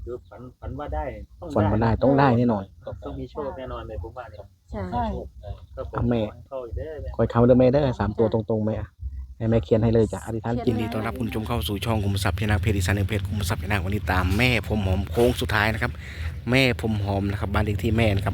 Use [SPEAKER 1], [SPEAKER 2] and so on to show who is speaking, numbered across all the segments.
[SPEAKER 1] คือฝันว่าได้ต้อง
[SPEAKER 2] ฝันว่าได้ต้องได้แน่นอน
[SPEAKER 1] ต้องมีโชคแน่นอนเลยผมว่าเนี่ย
[SPEAKER 3] ใช่
[SPEAKER 1] ก็ผมแม่เข้าอีกเด้อ
[SPEAKER 2] คอยคำเดิมแม่ได้3 ตัวตรงๆไหมอ่ะให้แม่เขียนให้เลยจ้ะอธิษฐานจิต
[SPEAKER 3] เขี
[SPEAKER 2] ดี
[SPEAKER 3] ยนไว้
[SPEAKER 2] ต้อนรับคุณผู้ชมเข้าสู่ช่องคุมทรัพย์พนาเพจดิสันเพจคุมทรัพย์พนาวันนี้ตามแม่ผมหอมโค้งสุดท้ายนะครับแม่ผมหอมนะครับบ้านเลขที่แม่นะครับ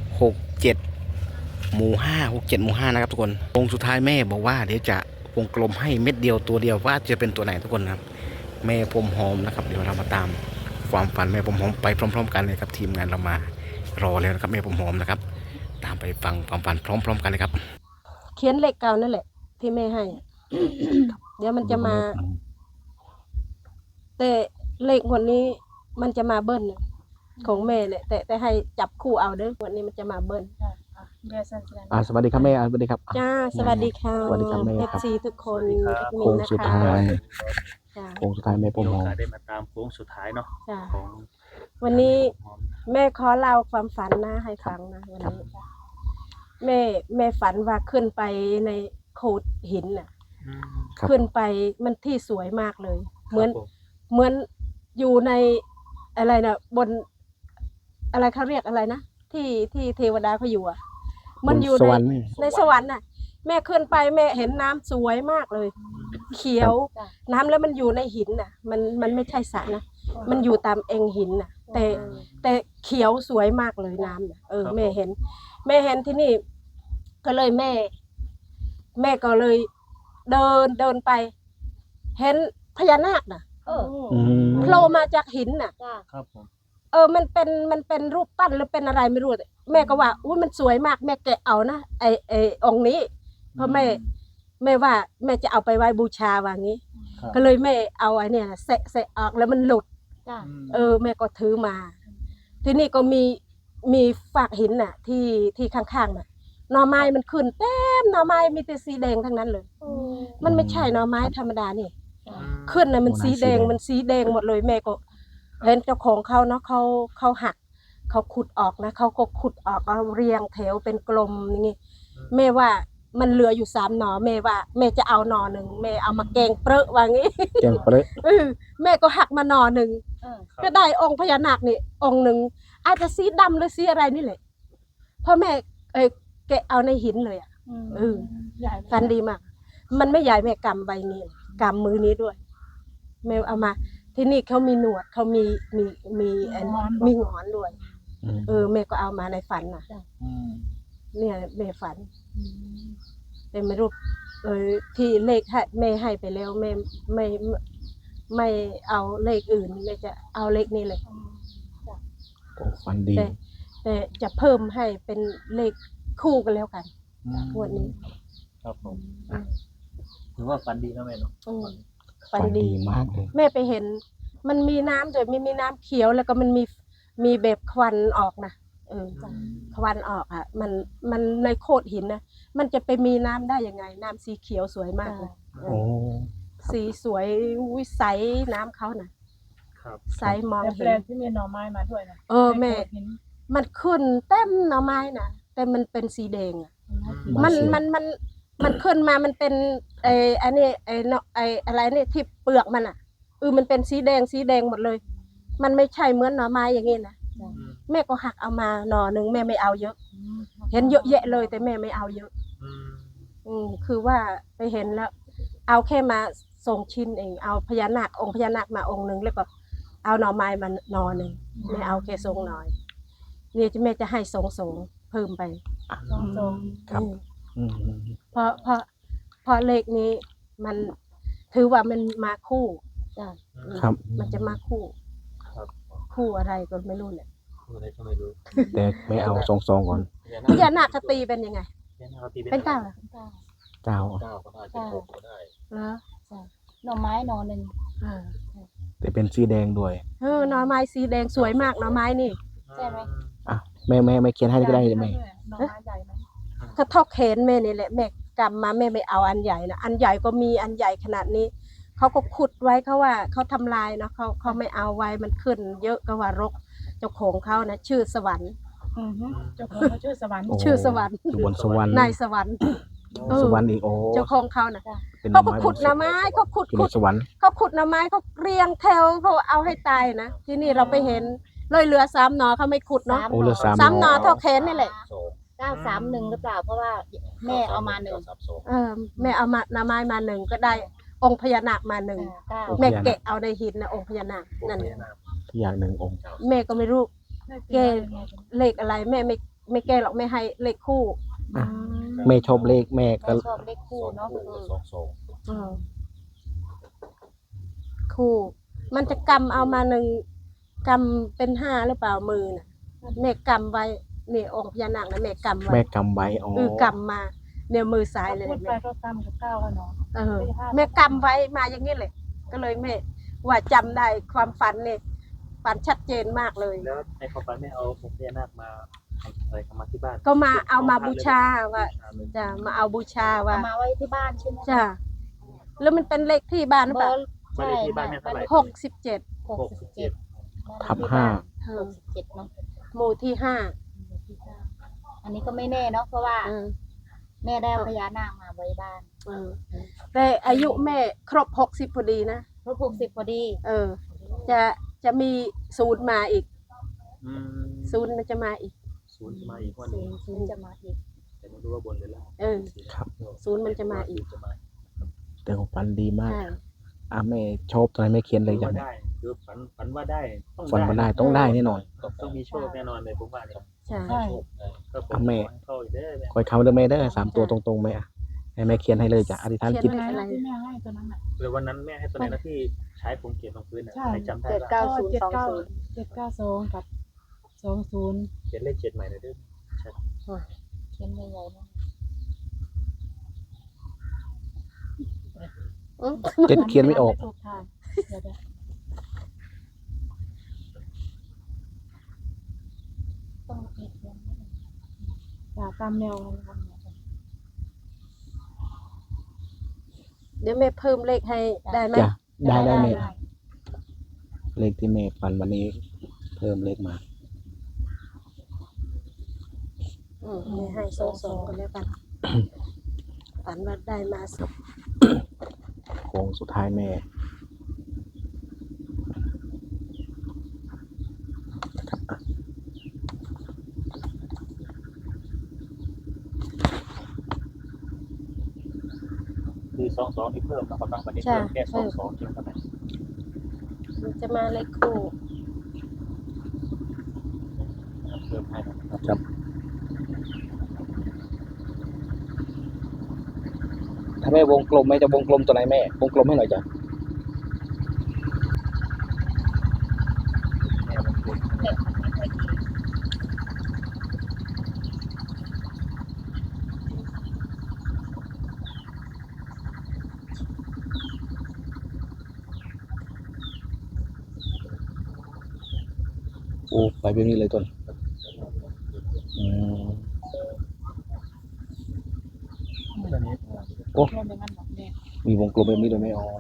[SPEAKER 2] 67 หมู่ 5 67 หมู่ 5นะครับทุกคนโค้งสุดท้ายแม่บอกว่าเดี๋ยวจะวงกลมให้เม็ดเดียวตัวเดียวว่าจะเป็นตัวไหนทุกคนนะครับแม่ผมหอมนะครับเดี๋ยวเรามาตามความฝันแม่ผมหอมไปพร้อมๆกันเลยครับทีมงานเรามารอแล้วนะครับแม่ผมหอมนะครับตามไปฟังความฝันพร้อมๆกันเลยครับ
[SPEAKER 3] เขียนเลขเก่านั่นแหละ ที่แม่ให้ เดี๋ยวมันจะมา แต่เลขงวดนี้มันจะมาเบิ้ลนะของแม่เนี่ยแต่ให้จับคู่เอาเด้องวดนี้มันจะมาเบิ้ล
[SPEAKER 2] สวัสดีครับแม่สวัสดีครับ
[SPEAKER 3] จ้าสวัสดีค่ะ
[SPEAKER 2] สวัสดีครับแม่
[SPEAKER 3] เอ
[SPEAKER 2] ครับ
[SPEAKER 3] ซีทุกคนแอดมิ
[SPEAKER 2] โค้
[SPEAKER 3] น
[SPEAKER 2] ง
[SPEAKER 3] นะ
[SPEAKER 2] สุด
[SPEAKER 3] คะ
[SPEAKER 2] ท้าย
[SPEAKER 3] จ้า
[SPEAKER 2] โค้งสุดท้ายแม่ผม
[SPEAKER 1] มีโอ
[SPEAKER 2] หอม
[SPEAKER 1] กาสได้มาตามโค้งสุดท้ายเนาะ
[SPEAKER 3] จ้า
[SPEAKER 1] ของ
[SPEAKER 3] วันนี้
[SPEAKER 1] หอม
[SPEAKER 3] แม่ขอเล่าความฝันนะให้ฟังนะวันนี้แม่ฝันว่าขึ้นไปในโขดหินน่ะ
[SPEAKER 2] ครับ
[SPEAKER 3] ขึ้นไปมันที่สวยมากเลย เหมือน
[SPEAKER 1] ครับผ
[SPEAKER 3] เหมือนอยู่ในอะไรนะบนอะไรเขาเรียกอะไรนะที่เทวดาเขาอยู่อ่ะ มันอยู่
[SPEAKER 2] ส
[SPEAKER 3] ใน
[SPEAKER 2] วรรค์
[SPEAKER 3] ในสวรรค์น่ะ แม่ขึ้นไปแม่เห็นน้ำสวยมากเลย เขียวน้ำแล้วมันอยู่ในหินน่ะ มันไม่ใช่สระนะมันอยู่ตามเองหินน่ะ แต่เขียวสวยมากเลยน้ำน่ะแม่เห็นที่นี่ ก็เลยแม่ก็เลยเดินไป เห็นพญานาคน่ะ
[SPEAKER 2] อืม
[SPEAKER 3] โผล่มาจากหินน่ะ
[SPEAKER 1] ครับผม
[SPEAKER 3] มันเป็นรูปปั้นหรือเป็นอะไรไม่รู้แม่ก็ว่าอุ้ยมันสวยมากแม่แกะเอานะไอองค์นี้ เพราะแม่ว่าแม่จะเอาไปไว้บูชาว่างี้
[SPEAKER 1] ครับ
[SPEAKER 3] ก็เลยแม่เอาไอ้เนี่ยเสะออกแล้วมันหลุด แม่ก็ถือมา ที่นี่ก็มีฝากหินน่ะ ที่ข้างๆน่ะหน่อไม้มันขึ้นเต็มหน่อไม้มีแต่สีแดงทั้งนั้นเลย มันไม่ใช่หน่อไม้ธรรมดานี่ ขึ้นน่ะมันสีแดงหมดเลยแม่ก็เห็นเจ้าของเขาเนาะเขาหักเขาขุดออกนะเขาก็ขุดออกเอาเรียงแถวเป็นกลมอย่างงี้แม่ว่ามันเหลืออยู่3 หน่อแม่ว่าแม่จะเอาหน่อหนึ่งแม่เอามาแกงเปรอะว่างี้
[SPEAKER 2] แกงเปรอะ
[SPEAKER 3] แม่ก็หักมาหน่อหนึ่งก็ได้องค์พญานาคนี่องค์หนึ่งอาจจะสีดำหรือสีอะไรนี่แหละเพราะแม่แกะเอาในหินเลยอ่ะฟันดีมาก มันไม่ใหญ่แม่กำใบนี้กำมือนี้ด้วยแม่เอามา ที่นี่เขามีหนวดเขามีหงอนด้วย แม่ก็เอามาในฝันน่ะเนี่ยแม่ฝันแต่ไม่รู้ที่เลขให้แม่ให้ไปแล้วแม่ไม่เอาเลขอื่นแม่จะเอาเลขนี้เลย
[SPEAKER 2] ฝันดี
[SPEAKER 3] แต่จะเพิ่มให้เป็นเลขคู่กันแล้วกันงวดนี้
[SPEAKER 1] ครับผมถือว่าฝันดีนะแม่เนาะ
[SPEAKER 3] ฝันดี
[SPEAKER 2] มากเลย
[SPEAKER 3] แม่ไปเห็น มันมีน้ำด้วยมีน้ำเขียวแล้วก็มันมีแบบควันออกนะควันออกอ่ะมันในโขดหินนะมันจะไปมีน้ำได้ยังไง น้ำสีเขียวสวยมากเลย
[SPEAKER 2] โอ้
[SPEAKER 3] สีสวยวิใสน้ำเขานะครับ ใสมอง
[SPEAKER 4] แต่แป
[SPEAKER 3] เห็
[SPEAKER 4] ล
[SPEAKER 3] น
[SPEAKER 4] งที่มีหน่อไม้มาด้วยนะ
[SPEAKER 3] แม่ มันขึ้นเต็มหน่อไม้นะแต่มันเป็นสีแดงอ่ะมันขึ้นมามันเป็นอันนี้อะไรนี่ที่เปลือกมันอ่ะมันเป็นสีแดงหมดเลย มันไม่ใช่เหมือนหน่อไม้อย่างงี้นะแม่ก็หักเอามาหน่อหนึ่งแม่ไม่เอาเยอะ เห็นเยอะแยะเลยแต่แม่ไม่เอาเยอะคือว่าไปเห็นแล้ว เอาแค่มาส่งชิ้นเองเอาพญานาคองค์พญานาคมาองค์หนึ่งแล้วก็เอาหน่อไม้มาหน่อหนึ่งไม่เอาแค่ทรงหน่อยนี่แม่จะให้ทรงเพิ่มไป
[SPEAKER 2] ครับ
[SPEAKER 3] เพราะเลขนี้มันถือว่ามันมาคู่
[SPEAKER 2] ครับ
[SPEAKER 3] มันจะมาคู่
[SPEAKER 1] ครับ
[SPEAKER 3] คู่อะไรก็ไม่รู้เนี่ย
[SPEAKER 1] อะไรก็ไม่รู้
[SPEAKER 2] แต่ไม่เอา2 ก่อน
[SPEAKER 3] พญานาคตีเป็นยังไง เป็นเก้าเหรอ
[SPEAKER 2] เจ้า
[SPEAKER 1] เก้าก็ได้เป็นหกก็ได้
[SPEAKER 3] เหรอ
[SPEAKER 4] หน่อไม้หน่อหนึ่ง
[SPEAKER 2] แต่เป็นสีแดงด้วย
[SPEAKER 3] หน่อไม้สีแดงสวยมากหน่อไม้นี่
[SPEAKER 4] ใช่ไหม
[SPEAKER 2] อ่ะแม่ไม่เขียนให้ก็ได้ไหม
[SPEAKER 4] หน่อไม้ใหญ่ไหม
[SPEAKER 3] ถ้าเท่าแขนแม่นี่แหละแม่กำมาแม่ไม่เอาอันใหญ่นะอันใหญ่ก็มีอันใหญ่ขนาดนี้เขาก็ขุดไว้เขาว่าเขาทำลายเนาะเขาไม่เอาไว้มันขึ้น เยอะก็ว่ารกเจ้าของเขานะชื่อสวรรค์
[SPEAKER 4] เจ้าของเขาชื่อสวรรค์
[SPEAKER 2] โอ้
[SPEAKER 3] ชื่อสวรรค์
[SPEAKER 2] อยู่บนสวรรค์
[SPEAKER 3] นายสวรรค์เออ
[SPEAKER 2] สวรรค์อีกโอ้
[SPEAKER 3] เจ้าของเขาน่ะ
[SPEAKER 2] เป็น
[SPEAKER 3] เขาก็ขุดหน่อไม้เขาขุด
[SPEAKER 2] อยู่
[SPEAKER 3] ขุ
[SPEAKER 2] ใน
[SPEAKER 3] ด
[SPEAKER 2] สวรรค์
[SPEAKER 3] เขาขุดหน่อไม้เขาเรียงแถวเขาเอาให้ตายนะที่นี่เราไปเห็นเลยเหลือ3 หน่อเขาไม่ขุดเนาะ
[SPEAKER 2] โอ้เหลือสาม
[SPEAKER 3] สามหน่อเท่าแขนนี่แหละ
[SPEAKER 4] 931หรือเปล่าเพราะว่าแม่เอามา1
[SPEAKER 3] แม่เอามาหน่อไม้มา1ก็ได้องค์พญานาคมา1แม่แกะเอาในหินนะองค์พญานาคนั่น
[SPEAKER 2] อย่างหนึ่งองค์
[SPEAKER 3] แม่ก็ไม่รู้แกเลขอะไรแม่ไม่แก้หรอกแม่ให้เลขคู่
[SPEAKER 2] อ่ะแม่ชอบเลขแม่ก็
[SPEAKER 4] ชอบเลขคู่เนาะ
[SPEAKER 3] เออคู่ มันจะกำเอามา1กำเป็น5หรือเปล่ามือน่ะแม่กำไว้นี่องค์พญานาคนะแม่กำไว้
[SPEAKER 2] แม่กำไว้อ๋อก
[SPEAKER 3] ำมาเนี่ยมือซ้ายเลย
[SPEAKER 4] พูดไปก็กำกับ9แล้วเนาะ
[SPEAKER 3] แม่กำไว้มาอย่างนี้เลยก็เลยแม่ว่าจำได้ความฝันเนี่ยฝันชัดเจนมากเลย
[SPEAKER 1] แล้วในความฝันแม่เอาองค์พญานาคมาอะไรเข้ามาที่บ้าน
[SPEAKER 3] ก็มาเอามาบูชาว่าจะมาเอาบูชาว่า
[SPEAKER 4] เอามาไว้ที่บ้านใช่ไหม
[SPEAKER 3] จ้ะแล้วมันเป็นเลขที่บ้านหรือเปล่า
[SPEAKER 1] บ้านเลขที่บ้านแม่เท่าไหร่
[SPEAKER 3] 67
[SPEAKER 4] 67
[SPEAKER 2] ทับห้า
[SPEAKER 4] 67เนาะ
[SPEAKER 3] หมู่ที่5
[SPEAKER 4] อันนี้ก็ไม่แน่เนาะเพราะว่า
[SPEAKER 3] เออ
[SPEAKER 4] แม่ได้เอาพญานาคมาไว้บ้าน
[SPEAKER 3] เออแต่อายุแม่ครบ60พอดีนะ
[SPEAKER 4] ครบ60พอดี
[SPEAKER 3] จะมี0มาอีก
[SPEAKER 1] อืม
[SPEAKER 3] 0มันจะมาอีก
[SPEAKER 1] ศูนย์จะมาอีกวันหนึง
[SPEAKER 4] ศูนย์จะมาอีก
[SPEAKER 1] แต่ไม่รู้ว่าบนหรือล่าง
[SPEAKER 3] เออ
[SPEAKER 2] ครับ
[SPEAKER 3] 0มันจะมาอีก
[SPEAKER 1] จะมา
[SPEAKER 2] แต่ของฝันดีมาก
[SPEAKER 3] ใช่
[SPEAKER 2] แม่ชอบตอนไหนแม่เขียนเลย
[SPEAKER 1] ว่า
[SPEAKER 2] จ้ะ
[SPEAKER 1] ได้คือฝันว่าได้ต้อง
[SPEAKER 2] ฝันมาได้ต้องได้แน่นอน
[SPEAKER 1] ต้องมีโชคแน่นอนเลยผมว่าเนี่ย
[SPEAKER 3] ใช่
[SPEAKER 4] ใช่
[SPEAKER 1] ก็ผม
[SPEAKER 2] อ่ะแม่
[SPEAKER 1] เข้าอีกเด้อแม่
[SPEAKER 2] คอยคำเด้อแม่เด้อ3 ตัวตรงๆไหมอ่ะให้แม่เขียนให้เลยจ้ะอธิษฐานจิต
[SPEAKER 4] ตัวไหนนะที่แม่ให้ตัวนั้นอ่ะ
[SPEAKER 1] แล้ววันนั้นแม่ให้ตัวไหนนะที่ใช้ผมเขียนลงพื้นน่ะ
[SPEAKER 4] ใช่
[SPEAKER 1] ให้จำได้
[SPEAKER 3] เก้า
[SPEAKER 1] ว่า
[SPEAKER 4] 792กับ20
[SPEAKER 1] เขียนเลข7ใหม่หน่อยเด้อ
[SPEAKER 4] เขียนใหญ่ๆนะ
[SPEAKER 2] เจ็ดเขียนไม่ออก
[SPEAKER 4] ถูกทางเดี๋ยวต้องเขียนตามแนวนะครับ
[SPEAKER 3] เดี๋ยวแม่เพิ่มเลขให้ได้ไหม
[SPEAKER 2] จ้ะได้แม่เลขที่แม่ฝันวันนี้เพิ่มเลขมา
[SPEAKER 3] แม่ให้2กันแล้วกัน ฝันว่าได้มาสอง
[SPEAKER 2] โค้งสุดท้ายแม่
[SPEAKER 1] คือ22ที่เพิ่มนะครับวันนี้เพิ่มแค่22เพียงเท่านั้น
[SPEAKER 3] มันจะมาเลขคู่
[SPEAKER 1] เพิ่มให้นะครับ
[SPEAKER 2] ครับ ถ้าแม่วงกลมแม่จะวงกลมตัวไหนแม่วงกลมให้หน่อยจ้ะ
[SPEAKER 1] แม่มันเป็น
[SPEAKER 2] โอ้ไปแบบนี้เลยต้นอืม
[SPEAKER 1] ตัวนี้
[SPEAKER 2] โอ้
[SPEAKER 4] รวมเป็นงั้นหรอแม่
[SPEAKER 2] มีวงกลมแบบนี้เลยไหมอ๋อ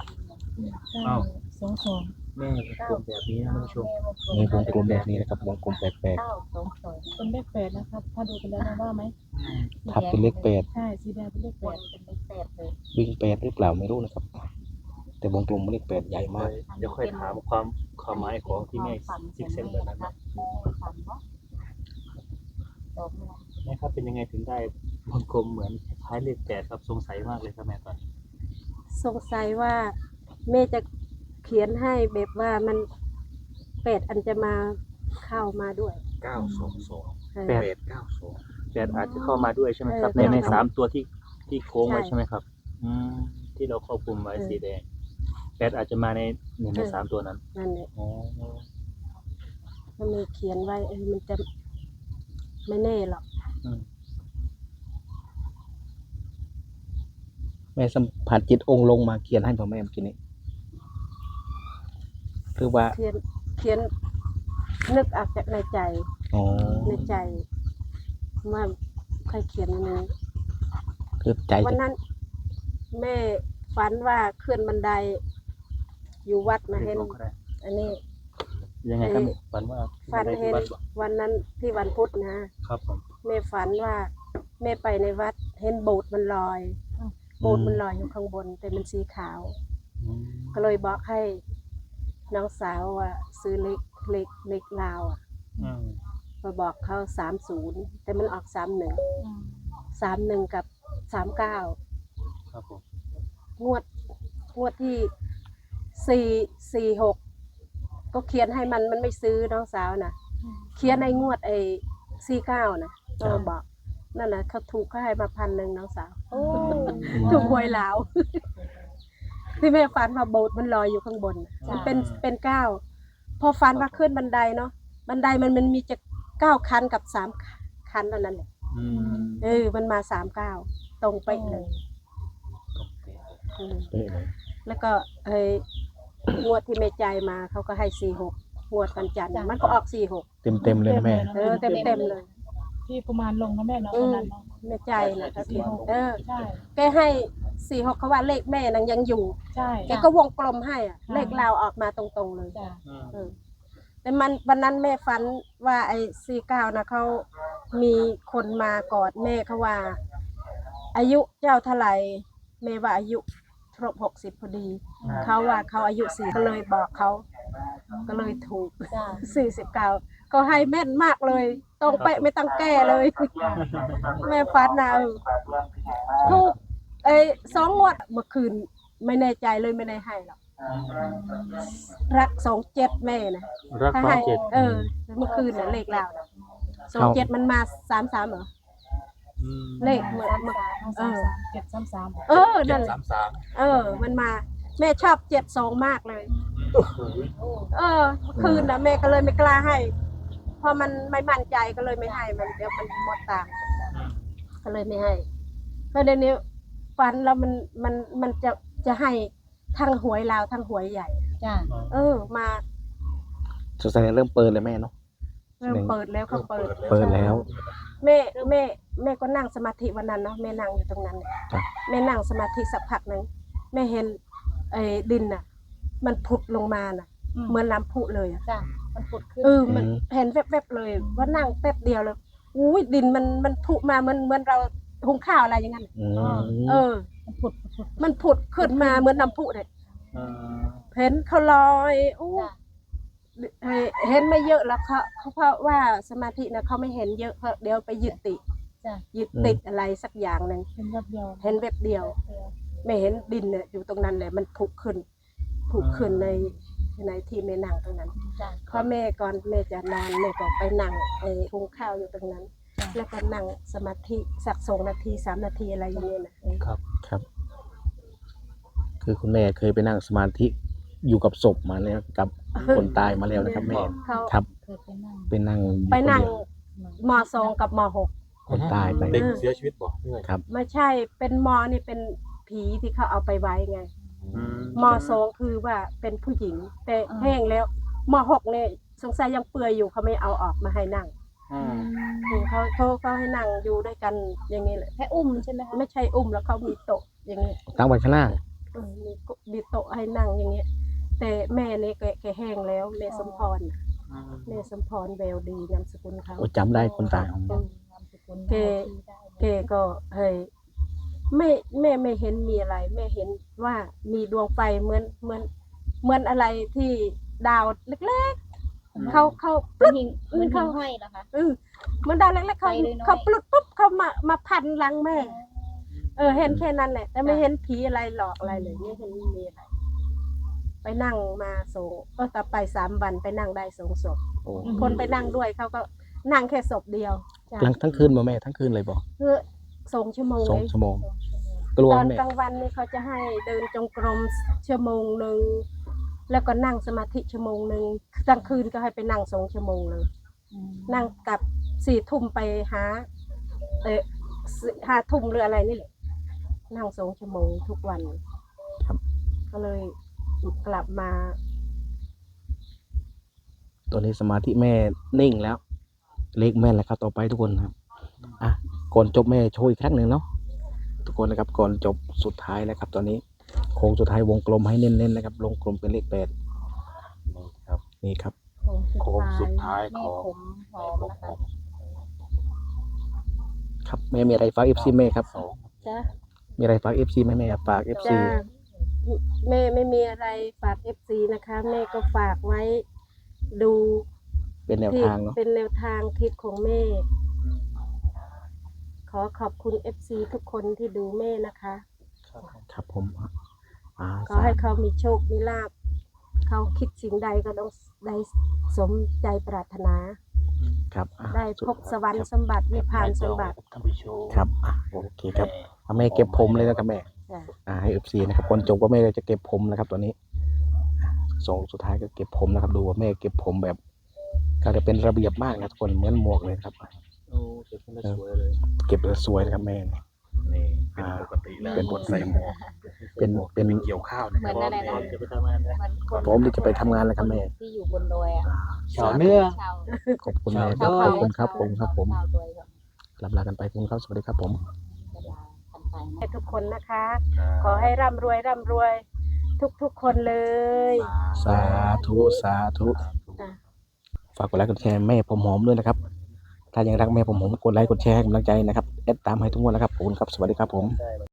[SPEAKER 4] 922
[SPEAKER 1] แม่กลมแบบนี้นะท่านผู้ชม
[SPEAKER 2] มีวงกลมแบบนี้นะครับวงกลมแปลก
[SPEAKER 4] 922เป็นเลข8นะครับ ถ้าดูกันแล้วนะว่าไหม
[SPEAKER 2] ๆทับเป็นเลข
[SPEAKER 4] ใช่สีแดงเป็นเลข8เป็นเลข8เลย
[SPEAKER 2] 8วิ่ง8หรือเปล่าไม่รู้นะครับ แต่วงกลมเลข8ใหญ่มาก
[SPEAKER 1] เดี๋ยวค่อยถามความหมายของที่แม่ซิกเซนแบบนั้นนะ
[SPEAKER 4] ฝันเนาะดอกเนี่ย
[SPEAKER 1] แม่ครับเป็นยังไงถึงได้วงกลมเหมือนคล้ายเลข8ครับสงสัยมากเลยครับแม่ตอนนี้
[SPEAKER 3] สงสัยว่าแม่จะเขียนให้แบบว่ามัน8อันจะมาเข้ามาด้วย
[SPEAKER 1] 922
[SPEAKER 3] เออ
[SPEAKER 1] 8อาจจะเข้ามาด้วยใช่ไหมครับ
[SPEAKER 3] เออ
[SPEAKER 1] ใน
[SPEAKER 3] ใช่
[SPEAKER 1] 3ตัวที่โค้งไว้
[SPEAKER 3] ใช่
[SPEAKER 1] ใช่ไหมครับที่เราควบคุมไว้
[SPEAKER 3] เออ
[SPEAKER 1] สีแดง8อาจจะมาใน1ใน3ตัวนั้น
[SPEAKER 3] นั่นแหละ
[SPEAKER 1] อ๋อ
[SPEAKER 3] มันมีเขียนไว้มันจะไม่แน่หรอก
[SPEAKER 2] แม่สัมผัสจิตองค์ลงมาเขียนให้พ่อแม่เมื่อกี้นี้คือว่า
[SPEAKER 3] เขียนนึกออกจากในใจ
[SPEAKER 2] อ๋อ
[SPEAKER 3] ในใจว่าใครเขียนอันนี้
[SPEAKER 2] คือใจ
[SPEAKER 3] วัน
[SPEAKER 2] จะ
[SPEAKER 3] นั้น แม่ฝันว่าขึ้นบันได อยู่วัดมาเห็น
[SPEAKER 1] ลงก็ได้
[SPEAKER 3] อันนี้
[SPEAKER 1] ยังไงครับฝันว่า
[SPEAKER 3] ฝันเห็น
[SPEAKER 1] วัด
[SPEAKER 3] วันนั้นที่วันพุธนะครับ
[SPEAKER 1] ผม
[SPEAKER 3] แม่ฝันว่าแม่ไปในวัดเห็นโบสถ์มันลอยโบสถ์มันลอยอยู่ข้างบนแต่มันสีขาว ก็เลยบอกให้น้องสาวว่าซื้อเล็กลาวอ่ะ มาบอกเขา30แต่มันออก31กับ39
[SPEAKER 1] ครับผม
[SPEAKER 3] งวดที่446ก็เขียนให้มันไม่ซื้อน้องสาวนะเขียนในงวด49นะก็บอกนั่นนะเขาถูกเขาให้มา1,000น้องสาวถูกหวยลาว ที่แม่ฝันว่าโบสถ์มันลอยอยู่ข้างบนมันเป็น9พอฝันว่าขึ้นบันไดเนาะบันไดมันมีจะ9คันกับ3คันเท่านั้นแหละมันมา39ตรงเป๊ะเลยแล้วก็งวดที่แม่ใจายมาเขาก็ให้46งวดวันจันทร์มันก็ออก46
[SPEAKER 2] เต็มเลยนะแม่
[SPEAKER 3] เต็มเลย
[SPEAKER 4] ที่ประมาณลงนะแม่เนาะวันนั้นเนาะ
[SPEAKER 3] แม่ใจนะเขาเขียน
[SPEAKER 4] ใช่
[SPEAKER 3] แกให้46เขาว่าเลขแม่นังยังอยู่
[SPEAKER 4] ใช่
[SPEAKER 3] แกก็วงกลมให้อ่ะเลขเราออกมาตรงๆเลย
[SPEAKER 4] จ้ะ
[SPEAKER 3] แต่มันวันนั้นแม่ฝันว่าไอ้49นะเขามีคนมากอดแม่เขาว่า อายุเจ้าเท่าไหร่แม่ว่าอายุครบ60พอดีเขาว่าเขาอายุ4ก็เลยบอกเขาก็เลยถูก49ก็ให้แม่นมากเลยตรงเป๊ะไม่ต้องแก้เลย แม่ฝันนะถูก2 งวดเมื่อคืนไม่แน่ใจเลยไม่ได้ให้หรอกรัก27แม่นะ
[SPEAKER 1] รัก
[SPEAKER 3] ถ้า
[SPEAKER 1] สอ
[SPEAKER 3] ให้
[SPEAKER 1] งเจ็ด
[SPEAKER 3] เมื่อคืนน่ะเลขเรานะ27มันมา33เหรอเลขเมื่อ
[SPEAKER 4] 733
[SPEAKER 3] นั่นแหละมันมาแม่ชอบ72มากเลยเมื่อคืนนะแม่ก็เลยไม่กล้าให้พอมันไม่มั่นใจก็เลยไม่ให้มันเดี๋ยวมันหมดตังค์ก็เลยไม่ให้เพราะเดี๋ยวนี้ฝันแล้วมันจะให้ทั้งหวยลาวทั้งหวยใหญ่
[SPEAKER 4] จ้ะ
[SPEAKER 3] มา
[SPEAKER 2] สงสัยเริ่มเปิดเลยแม่เนาะ
[SPEAKER 3] เริ่มเปิดแล้วเขาเปิด
[SPEAKER 2] เปิดแล้ว
[SPEAKER 3] แม่ก็นั่งสมาธิวันนั้นเนาะแม่นั่งอยู่ตรงนั้นแม่นั่งสมาธิสักพักนึงแม่เห็นดินน่ะมันผุดลงมาน่ะเหมือนน้ำพุเลยอ่ะ
[SPEAKER 4] จ้ะมันผุดขึ้น
[SPEAKER 3] มันเห็นแวบๆเลยว่านั่งแป๊บเดียวเลยอุ้ยดินมันผุมาเหมือนเราหุงข้าวอะไรอย่างนั้นมันผุดขึ้นมาเหมือนน้ำพุเลยเห็นเขาลอยเห็นไม่เยอะแล้วเขาเพราะว่าสมาธินะเขาไม่เห็นเยอะเพราะเดี๋ยวไปยึดติดอะไรสักอย่างหนึ่งเห็นแบบเดียวไม่เห็นดินเนี่ยอยู่ตรงนั้นเลยมันผุขึ้นในที่แม่นั่งตรงนั้นเพราะแม่ก่อนแม่จะนอนแม่ก็ไปนั่งหุงข้าวอยู่ตรงนั้น แล้วก็นั่งสมาธิสัก2 นาที3 นาทีอะไรอย่างเงี้ยนะครับ
[SPEAKER 2] คือคุณแม่เคยไปนั่งสมาธิอยู่กับศพมาแล้วกับคนตายมาแล้วนะครับแม่ครับ
[SPEAKER 4] เคย
[SPEAKER 2] ไป
[SPEAKER 4] ไปนั่ง
[SPEAKER 2] นั่ง
[SPEAKER 3] ไปนั่งม.2 กับม.6
[SPEAKER 2] คนตายไป
[SPEAKER 1] เด็กเสียชีวิตบ่ครับ
[SPEAKER 3] ไม่ใช่เป็นนี่เป็นผีที่เขาเอาไปไว้ไงม.2 คือว่าเป็นผู้หญิงแต่แห้งแล้วม.6เนี่ยสงสัยยังเปื่อยอยู่เขาไม่เอาออกมาให้นั่งเขาให้นั่งอยู่ด้วยกันอย่างนี้แหละแค่อุ้มใช่ไหมคะไม่ใช่อุ้มแล้วเขามีโต๊ะอย่างนี้
[SPEAKER 2] ตั้งไว้ข้างล่าง
[SPEAKER 3] มีโต๊ะให้นั่งอย่างเงี้ยแต่แม่เนี่ยแกแห้งแล้วแม่สมพรแววดีนามสกุลเขา
[SPEAKER 2] จำได้คนตาย
[SPEAKER 3] แกก็เฮ้ยแม่ไม่เห็นมีอะไรแม่เห็นว่ามีดวงไฟเหมือนอะไรที่ดาวเล็กๆเขาปลุก
[SPEAKER 4] มันเขาห้อยเหรอคะ
[SPEAKER 3] เหมือนดาวเล็กๆเขาปลุกปุ๊บเขามาพันหลังแม่เห็นแค่นั้นแหละแต่ไม่เห็นผีอะไรหลอกอะไรเลยไม่เห็นมีอะไรไปนั่งมาก็ต่อไป3 วันไปนั่งได้2 ศพคนไปนั่งด้วยเขาก็นั่งแค่ศพเดียว
[SPEAKER 2] ทั้งคืนบ่แม่ทั้งคืนเลยบ่
[SPEAKER 3] คือ2 ชั่วโมง
[SPEAKER 2] 2 ชั่วโมงกลัว
[SPEAKER 3] ตอน
[SPEAKER 2] แม่
[SPEAKER 3] กลางวันนี่เขาจะให้เดินจงกรมชั่วโมงนึงแล้วก็นั่งสมาธิชั่วโมงนึงกลางคืนก็ให้ไปนั่ง2 ชั่วโมงเลยนั่งกับ4 ทุ่มไปหา5 ทุ่มหรืออะไรนี่แหละนั่ง2 ชั่วโมงทุกวันก็เลยกลับมา
[SPEAKER 2] ตัวนี้สมาธิแม่นิ่งแล้วเลขแม่นแล้วครับต่อไปทุกคนครับก่อนจบแม่โชว์อีกครั้งหนึ่งเนาะทุกคนนะครับก่อนจบสุดท้ายนะครับตอนนี้โค้งสุดท้ายวงกลมให้เน้นๆนะครับวงกลมเป็นเลข8นี่ครับ
[SPEAKER 1] โค้งสุดท้ายของ
[SPEAKER 4] ผมหอมนะคะ
[SPEAKER 2] ครับแม่มีอะไรฝาก FC แม่ครับ
[SPEAKER 3] จ้ะ
[SPEAKER 2] มีอะไรฝาก FC แม่ฝาก FC
[SPEAKER 3] จ้าแม่ไม่มีอะไรฝาก FC นะคะ แม่ก็ฝากไว้ดู
[SPEAKER 2] เป็นแนว
[SPEAKER 3] ที่
[SPEAKER 2] ทางเนาะ
[SPEAKER 3] เป็นแนวทางคลิปของแม่ ขอขอบคุณ FC ทุกคนที่ดูแม่นะคะ
[SPEAKER 2] ครับผมอ่า
[SPEAKER 3] ขอให้เขามีโชคมีลาภเขาคิดสิ่งใดก็ต้องได้สมใจปรารถนา
[SPEAKER 2] ครับอ่ะ
[SPEAKER 3] ได้พบสวรรค์สมบัตินิพพานสมบัติ
[SPEAKER 1] ท่านผู้ชม
[SPEAKER 2] ครับอ่ะโอเคครับแม่เก็บผมเลยนะครับแม่
[SPEAKER 3] จ้ะ
[SPEAKER 2] ให้ FC นะครับก่อนจบก็แม่ก็จะเก็บผมนะครับตัวนี้ส่งสุดท้ายก็เก็บผมนะครับดูว่าแม่เก็บผมแบบก็จะเป็นระเบียบมากนะทุกคนเหมือนหมวกเลยครับ
[SPEAKER 1] โอ้เก็บเป็นสวยเลย
[SPEAKER 2] เก็บแล้วสวยนะครับแม่เนี่ย
[SPEAKER 1] นี่เป็นปกติแล้ว
[SPEAKER 2] เป็นปกติ
[SPEAKER 1] ใส่หมวก
[SPEAKER 2] เป็น
[SPEAKER 1] เกี่ยวข้าวนะ
[SPEAKER 5] เหมือนอะไรนะ
[SPEAKER 1] จะไปทำงานนะ
[SPEAKER 5] มันคน
[SPEAKER 2] ผมที่จะไปทำงานแล้วครับแม่
[SPEAKER 5] ที่อยู่บนดอยอ่ะ
[SPEAKER 1] ชาวเนื้อ
[SPEAKER 5] ชาว
[SPEAKER 2] ขอบคุณแม่
[SPEAKER 1] ชาว
[SPEAKER 2] ขอบคุณครับผมครับผม
[SPEAKER 5] ชาวดอยครับ
[SPEAKER 2] ลำลากันไปคุณครับสวัสดีครับผม
[SPEAKER 5] เวลากันไปนะ
[SPEAKER 3] ให้ทุกคนนะคะ ขอให้ร่ำรวยทุกคนเลย
[SPEAKER 2] สาธุสาธุ
[SPEAKER 3] จ้ะ
[SPEAKER 2] ฝากกดไลค์กดแชร์แม่ผมหอมด้วยนะครับ ถ้ายังรักแม่ผมหอมกดไลค์กดแชร์ให้กำลังใจนะครับแอดตามให้ทุกวันนะครับขอบคุณครับสวัสดีครับผม
[SPEAKER 1] ได้